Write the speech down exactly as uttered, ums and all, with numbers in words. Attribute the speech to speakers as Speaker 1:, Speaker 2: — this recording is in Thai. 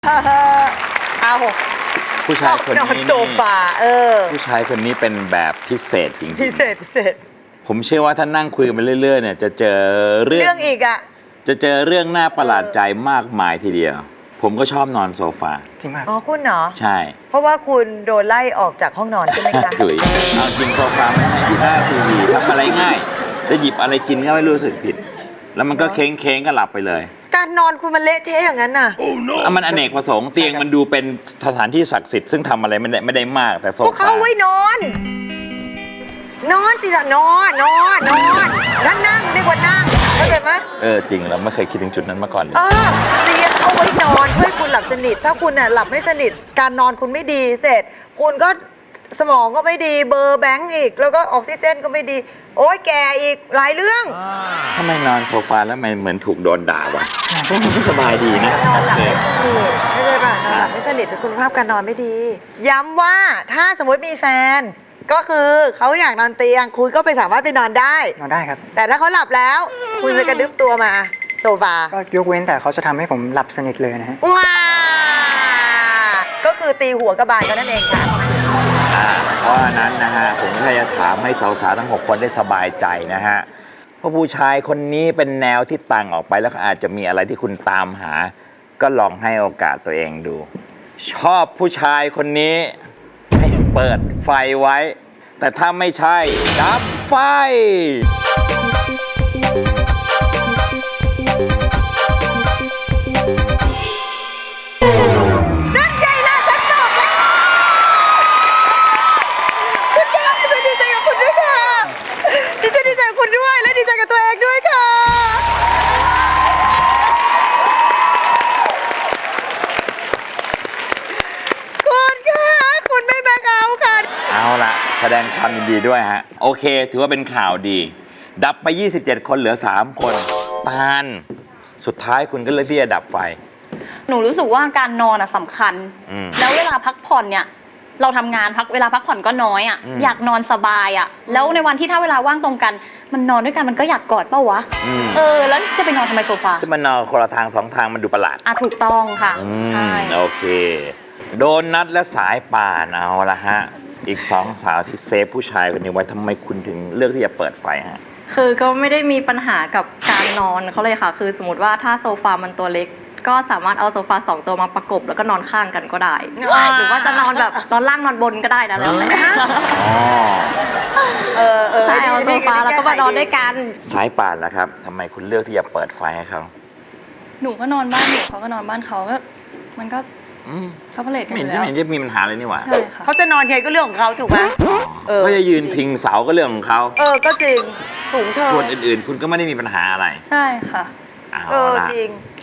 Speaker 1: เอา
Speaker 2: ผู้ชายคน
Speaker 1: นอน
Speaker 2: นี้
Speaker 1: โซฟาเออ
Speaker 2: ผู้ชายคนนี้เป็นแบบพิเศษจริงๆ
Speaker 1: พิเศษพิเศษ
Speaker 2: ผมเชื่อว่าถ้านั่งคุยกันไปเรื่อยๆเนี่ยจะเจอเรื่อง
Speaker 1: เรื่องอีกอ่ะ
Speaker 2: จะเจอเรื่องน่าประหลาดใจมากมายทีเดียว ผมก็ชอบนอนโซฟา
Speaker 3: จริงมาก
Speaker 1: อ๋อคุณเหรอ
Speaker 2: ใช่
Speaker 1: เพราะว่าคุณโดนไล่ออกจากห้องนอนใช่ไหมคะ
Speaker 2: ถุยเอาจริงโซฟาไม่ให้อยู่หน้าทีวีทำอะไรง่ายจะหยิบอะไรกินก็ไม่รู้สึกผิด แล้วมันก็เค้งเค้งๆก็หลับไปเลย
Speaker 1: การนอนคุณมันเละเทะอย่างนั้นน่ะ
Speaker 2: อ่ะมันอเนกประสงค์เตียงมันดูเป็นสถานที่ศักดิ์สิทธิ์ซึ่งทำอะไรไม่ได้ไม่ได้มากแต่โซ
Speaker 1: พวก
Speaker 2: ฟา
Speaker 1: เขาไว้นอน นอนสิจ้ะนอนนอนนอนนั่งนั่งดีกว่านั่งเข้าใจไหม
Speaker 2: เออจริงเราไม่เคยคิดถึงจุดนั้นมาก่อนเลย
Speaker 1: เออเตียงเอาไว้นอนเพื่อให้คุณหลับสนิทถ้าคุณน่ะหลับไม่สนิทการนอนคุณไม่ดีเสร็จ คุณก็สมองก็ไม่ดีเบอร์แบงก์อีก แล้วก็ออกซิเจนก็ไม่ดี โอ้ยแกอีกหลายเรื่อง
Speaker 2: ทำไมนอนโซฟาแล้วมันเหมือนถูกโดนด่าวะมันก็สบายดีนะ
Speaker 1: นอนหลับไม่สนิทไม่ใช่ป่ะนอนหลับไม่สนิทแต่คุณภาพการนอนไม่ดี ย้ำว่าถ้าสมมติมีแฟน ก็คือเขาอยากนอนเตียง คุณก็ไปสามารถไปนอนได้
Speaker 3: นอนได้ครับ
Speaker 1: แต่ถ้าเขาหลับแล้ว คุณจะกระดึบตัวมาโซฟา
Speaker 3: ก็ยกเว้นแต่เขาจะทำให้ผมหลับสนิทเลยนะฮะ
Speaker 1: ว้าก็คือตีหัวกระบาลกันนั่นเองค่ะ
Speaker 2: อ่าเพราะฉะนั้นนะฮะผมก็จะถามให้สาวๆทั้งหกคนได้สบายใจนะฮะเพราะผู้ชายคนนี้เป็นแนวที่ต่างออกไปแล้วก็อาจจะมีอะไรที่คุณตามหา ก็ลองให้โอกาสตัวเองดู ชอบผู้ชายคนนี้ให้เปิดไฟไว้ แต่ถ้าไม่ใช่ดับไฟ
Speaker 1: นั่นไงล่ะฉันบอกแล้วคุณแก้วดิฉันดีใจกับคุณด้วยค่ะดิฉันดีใจกับคุณด้วยและดีใจกับตัวเองด้วยค่ะคุณค่ะคุณไม่แบกเอาท์ค่ะ
Speaker 2: เอาละแสดงความยินดีด้วยฮะ โอเค ถือว่าเป็นข่าวดี ดับไป ยี่สิบเจ็ด คนเหลือ สาม คนตาลสุดท้ายคุณก็เลือกที่จะดับไฟ
Speaker 4: หนูรู้สึกว่าการนอนอะสำคัญ
Speaker 2: อืม
Speaker 4: แล้วเวลาพักผ่อนเนี่ย เราทำงานพักเวลาพักผ่อนก็น้อยอะ
Speaker 2: อืม
Speaker 4: อยากนอนสบายอะแล้วในวันที่ถ้าเวลาว่างตรงกัน มันนอนด้วยกันมันก็อยากกอดเป้าวะ
Speaker 2: อืม
Speaker 4: เออ แล้วจะไปนอนทำไมโซฟา
Speaker 2: ที่มันนอนคนละทางสองทางมันดูประหลาด
Speaker 4: อ่ะถูกต้องค่ะ
Speaker 2: อื
Speaker 4: ใช่
Speaker 2: มโอเค โดนัทและสายป่านเอาละฮะ อีกสองสาวที่เซฟผู้ชายคนนี้ไว้ทำไมคุณถึงเลือกที่จะเปิดไฟฮะ
Speaker 5: คือก็ไม่ได้มีปัญหากับการนอนเขาเลยค่ะ คือสมมติว่าถ้าโซฟามันตัวเล็ก ก็สามารถเอาโซฟาสองตัวมาประกบแล้วก็นอนข้างกันก็ได้
Speaker 1: ว้าว
Speaker 5: หรือว่าจะนอนแบบนอนล่างนอนบนก็ได้นะแล้วแต่
Speaker 2: อ๋อ
Speaker 1: เออเออ
Speaker 5: ใช่เอาโซฟาแล้วก็มานอนด้วยกัน
Speaker 2: สายป่านแล้วครับทำไมคุณเลือกที่จะเปิดไฟให้เขา
Speaker 6: หนูก็นอนบ้านหนูเขาก็นอนบ้านเขาก็มันก็
Speaker 2: อืม
Speaker 6: ซัพพอร์ตกัน
Speaker 2: ไม่
Speaker 6: อ
Speaker 2: เห็น
Speaker 6: ยู่
Speaker 2: จะ
Speaker 6: แล้ว
Speaker 2: ไม่เห็นจะมีปัญหาเลยนี่หว่า
Speaker 6: ใช่ค่ะ
Speaker 1: เขาจะนอนไงก็เรื่องของเขาถูกไหม เออ
Speaker 2: เขาจะยืนพิงเสาก็เรื่องของเขา
Speaker 1: เออ ก็จริงถุงเธอ
Speaker 2: ส่วนอื่นๆ คุณก็ไม่ได้มีปัญหาอะไร
Speaker 6: ใช่ค่ะ
Speaker 2: เอา
Speaker 1: เออ
Speaker 2: ละ
Speaker 1: จริง